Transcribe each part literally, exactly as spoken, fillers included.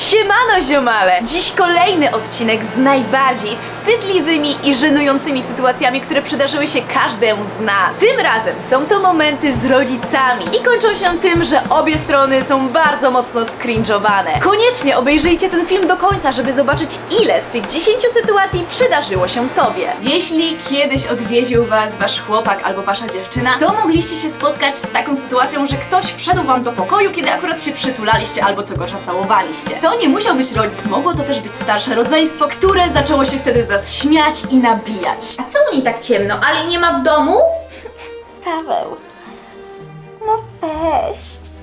Siemano ziomale! Dziś kolejny odcinek z najbardziej wstydliwymi i żenującymi sytuacjami, które przydarzyły się każdemu z nas. Tym razem są to momenty z rodzicami i kończą się tym, że obie strony są bardzo mocno skringowane. Koniecznie obejrzyjcie ten film do końca, żeby zobaczyć, ile z tych dziesięciu sytuacji przydarzyło się tobie. Jeśli kiedyś odwiedził was wasz chłopak albo wasza dziewczyna, to mogliście się spotkać z taką sytuacją, że ktoś wszedł wam do pokoju, kiedy akurat się przytulaliście albo co gorsza całowaliście. To nie musiał być rodzic, mogło to też być starsze rodzeństwo, które zaczęło się wtedy z nas śmiać i nabijać. A co u niej tak ciemno? Ali nie ma w domu? Paweł, no weź.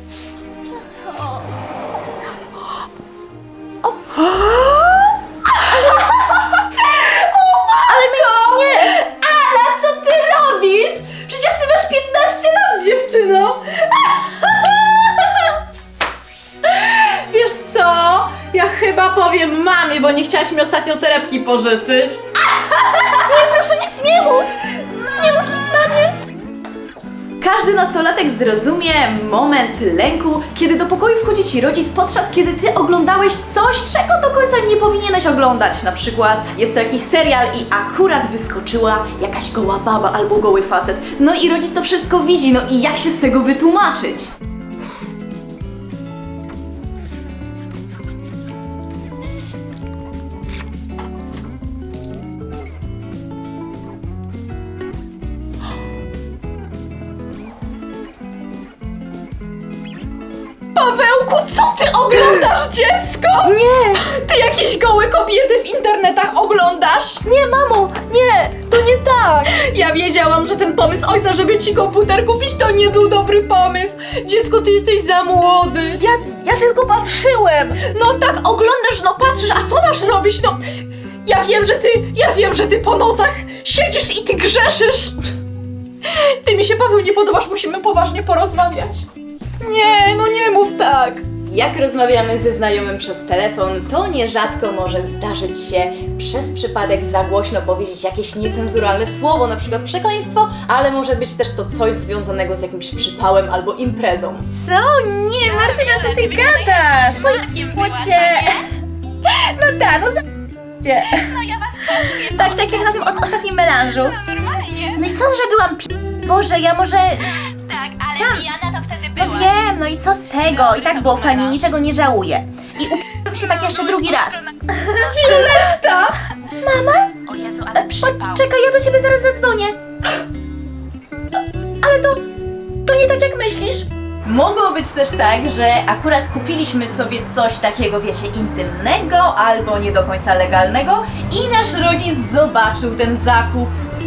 Ale my... Nie! Ala, co ty robisz? Przecież ty masz piętnaście lat, dziewczyno! Wiesz co? Ja chyba powiem mamie, bo nie chciałaś mi ostatnio torebki pożyczyć. Nie, proszę, nic nie mów! Nie mów nic mamie! Każdy nastolatek zrozumie moment lęku, kiedy do pokoju wchodzi ci rodzic, podczas kiedy ty oglądałeś coś, czego do końca nie powinieneś oglądać. Na przykład jest to jakiś serial i akurat wyskoczyła jakaś goła baba albo goły facet. No i rodzic to wszystko widzi, no i jak się z tego wytłumaczyć? Pawełku, co ty oglądasz, dziecko? Nie! Ty jakieś gołe kobiety w internetach oglądasz? Nie, mamo! Nie! To nie tak! Ja wiedziałam, że ten pomysł ojca, żeby ci komputer kupić, to nie był dobry pomysł. Dziecko, ty jesteś za młody. Ja, ja tylko patrzyłem! No tak oglądasz, no patrzysz, a co masz robić? No, ja wiem, że ty, ja wiem, że ty po nocach siedzisz i ty grzeszysz. Ty mi się, Paweł, nie podobasz, musimy poważnie porozmawiać. Nie, no nie mów tak. Jak rozmawiamy ze znajomym przez telefon, to nierzadko może zdarzyć się przez przypadek za głośno powiedzieć jakieś niecenzuralne słowo, na przykład przekleństwo, ale może być też to coś związanego z jakimś przypałem albo imprezą. Co? Nie, Martyna, co ty gadasz? Płocie... No tak, no za... No ja was koszmię. Tak, tak jak na tym od ostatnim melanżu. No normalnie. No i co, że byłam pi... Boże, ja może... Tak, ale Sam. pijana to wtedy No byłaś. wiem, no i co z tego? I tak było fajnie, niczego nie żałuję. I upiłem się tak jeszcze drugi raz. Violetta! O Jezu, ale przypał. Czekaj, ja do ciebie zaraz zadzwonię. Ale to... to nie tak jak myślisz. Mogło być też tak, że akurat kupiliśmy sobie coś takiego, wiecie, intymnego albo nie do końca legalnego i nasz rodzic zobaczył ten zakup.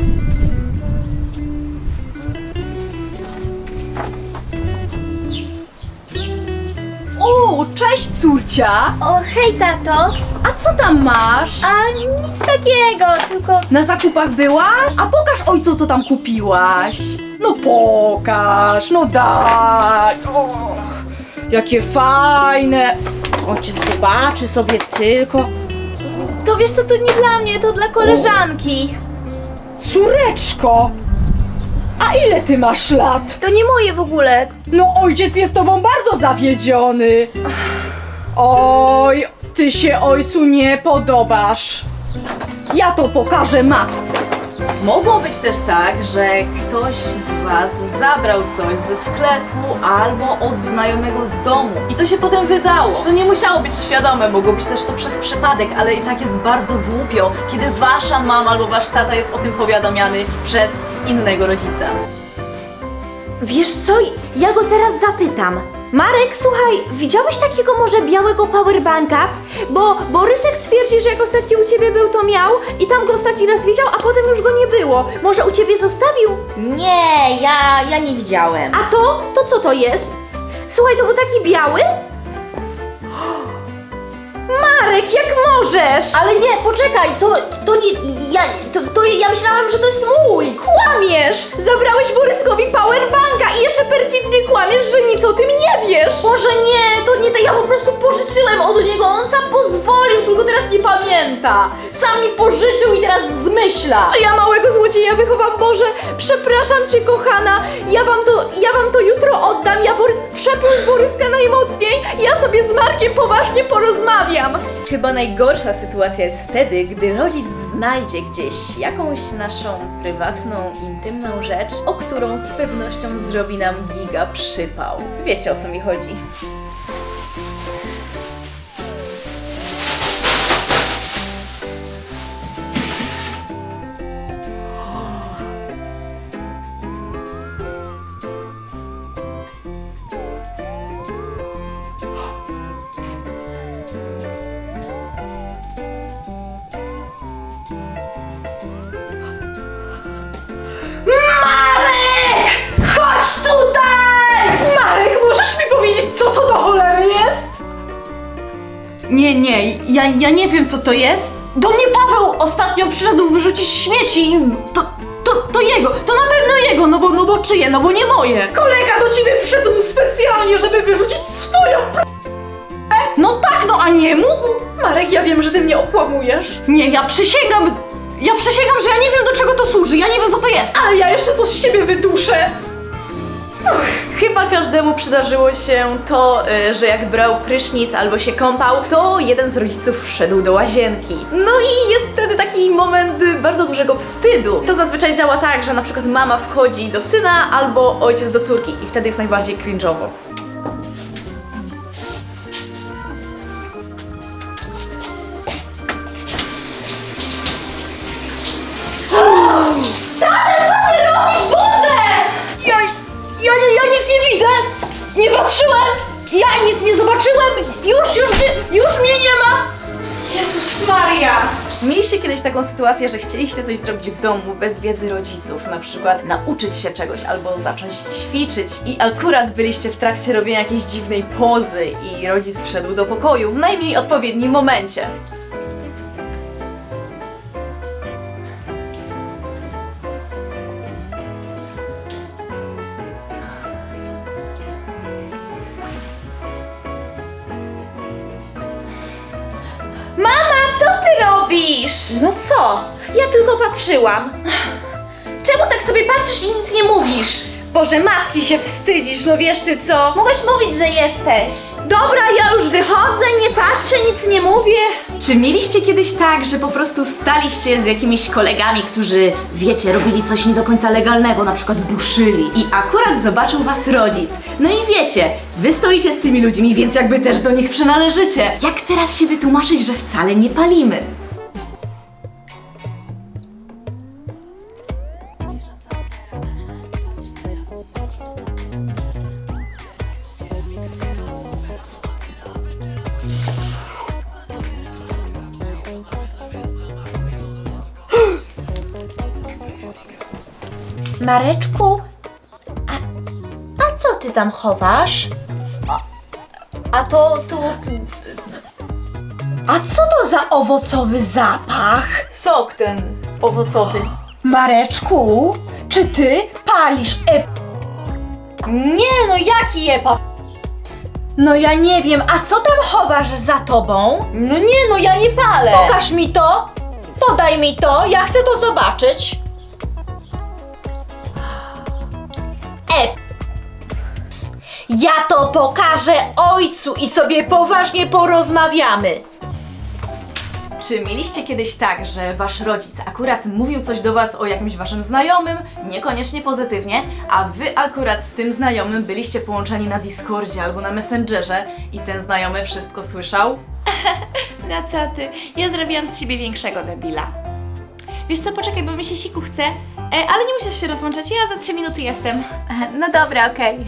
O, cześć córcia! O, hej tato. A co tam masz? A nic takiego, tylko... Na zakupach byłaś? A pokaż ojcu, co tam kupiłaś. No pokaż, no daj. Och, jakie fajne. Ojciec zobaczy sobie tylko. To wiesz co, to nie dla mnie, to dla koleżanki. Córeczko! A ile ty masz lat? To nie moje w ogóle. No ojciec jest tobą bardzo zawiedziony. Oj, ty się ojcu nie podobasz. Ja to pokażę matce. Mogło być też tak, że ktoś z was zabrał coś ze sklepu albo od znajomego z domu i to się potem wydało. To nie musiało być świadome, mogło być też to przez przypadek, ale i tak jest bardzo głupio, kiedy wasza mama albo wasz tata jest o tym powiadamiany przez innego rodzica. Wiesz co, ja go zaraz zapytam. Marek, słuchaj, widziałeś takiego może białego powerbanka? Bo Borysek twierdzi, że jak ostatni u ciebie był, to miał i tam go ostatni raz widział, a potem już go nie było. Może u ciebie zostawił? Nie, ja, ja nie widziałem. A to? To co to jest? Słuchaj, to był taki biały? Marek, jak możesz? Ale nie, poczekaj, to, to nie, ja, to, to ja myślałem, że to jest mój. Kłamiesz! Zabrałeś Boryskowi powerbanka i jeszcze perfidnie kłamiesz, że nic o tym nie wiesz! Boże nie, to nie, to ja po prostu pożyczyłem od niego, on on sam pozwolił, tylko teraz nie pamięta. Sam mi pożyczył i teraz zmyśla. Czy ja małego złodzieja wychowam? Boże, przepraszam cię, kochana. Ja wam to, ja wam to jutro oddam. Ja Borys, przepuść Boryska najmocniej. Ja sobie z Markiem poważnie porozmawiam. Chyba najgorsza sytuacja jest wtedy, gdy rodzic znajdzie gdzieś jakąś naszą prywatną, intymną rzecz, o którą z pewnością zrobi nam giga przypał. Wiecie, o co mi chodzi. Marek! Chodź tutaj! Marek, możesz mi powiedzieć, co to do cholery jest? Nie, nie, ja, ja nie wiem, co to jest. Do mnie Paweł ostatnio przyszedł wyrzucić śmieci i to, to, to jego, to na pewno jego, no bo, no bo czyje, no bo nie moje. Kolega do ciebie przyszedł specjalnie, żeby wyrzucić swoją p... No tak, no a nie mógł? Marek, ja wiem, że ty mnie okłamujesz, Nie, ja przysięgam, ja przysięgam, że ja nie wiem, do czego to służy, ja nie wiem, co to jest. ale ja jeszcze coś z siebie wyduszę. Chyba każdemu przydarzyło się to, y, że jak brał prysznic albo się kąpał, to jeden z rodziców wszedł do łazienki. No i jest wtedy taki moment y, bardzo dużego wstydu. To zazwyczaj działa tak, że na przykład mama wchodzi do syna albo ojciec do córki i wtedy jest najbardziej cringe'owo. Ja, ja, nie, ja nic nie widzę! Nie patrzyłem! Ja nic nie zobaczyłem! Już, już, nie, już mnie nie ma! Jezus Maria! Mieliście kiedyś taką sytuację, że chcieliście coś zrobić w domu bez wiedzy rodziców, na przykład nauczyć się czegoś albo zacząć ćwiczyć i akurat byliście w trakcie robienia jakiejś dziwnej pozy i rodzic wszedł do pokoju w najmniej odpowiednim momencie. Mama, co ty robisz? No co? Ja tylko patrzyłam. Czemu tak sobie patrzysz i nic nie mówisz? Boże, matki się wstydzisz, no wiesz ty co? Mogłeś mówić, że jesteś. Dobra, ja już wychodzę, nie patrzę, nic nie mówię. Czy mieliście kiedyś tak, że po prostu staliście z jakimiś kolegami, którzy, wiecie, robili coś nie do końca legalnego, na przykład buszyli i akurat zobaczył was rodzic? No i wiecie, wy stoicie z tymi ludźmi, więc jakby też do nich przynależycie. Jak teraz się wytłumaczyć, że wcale nie palimy? Mareczku, a, a co ty tam chowasz? A to, to... A co to za owocowy zapach? Sok ten owocowy. Mareczku, czy ty palisz e... Nie no, jaki jepa? No ja nie wiem, a co tam chowasz za tobą? No nie no, ja nie palę. Pokaż mi to, podaj mi to, ja chcę to zobaczyć. E... Ja to pokażę ojcu i sobie poważnie porozmawiamy. Czy mieliście kiedyś tak, że wasz rodzic akurat mówił coś do was o jakimś waszym znajomym, niekoniecznie pozytywnie, a wy akurat z tym znajomym byliście połączeni na Discordzie albo na Messengerze i ten znajomy wszystko słyszał? No co ty? Ja zrobiłam z siebie większego debila. Wiesz co, poczekaj, bo mi się siku chce, e, ale nie musisz się rozłączać, ja za trzy minuty jestem. No dobra, okej.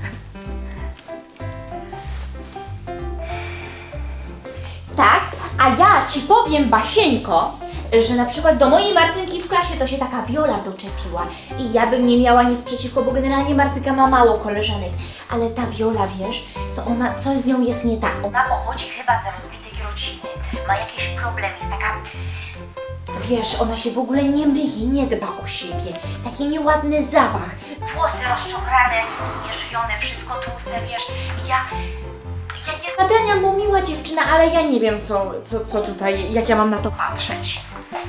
Tak, a ja ci powiem, Basieńko, że na przykład do mojej Martynki w klasie to się taka Viola doczepiła i ja bym nie miała nic przeciwko, bo generalnie Martynka ma mało koleżanek, ale ta Viola, wiesz, to ona, coś z nią jest nie tak. Ona pochodzi chyba z rozbitej rodziny, ma jakiś problem, jest taka, wiesz, ona się w ogóle nie myje, nie dba o siebie, taki nieładny zapach, włosy rozczochrane, zmierzwione, wszystko tłuste, wiesz, ja... Ja nie zabraniam, bo miła dziewczyna, ale ja nie wiem co, co, co tutaj, jak ja mam na to patrzeć.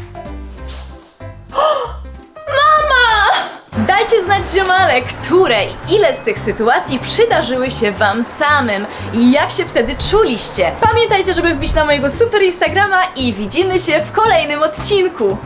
Dajcie znać, ziomale, które i ile z tych sytuacji przydarzyły się wam samym i jak się wtedy czuliście. Pamiętajcie, żeby wbić na mojego super Instagrama i widzimy się w kolejnym odcinku.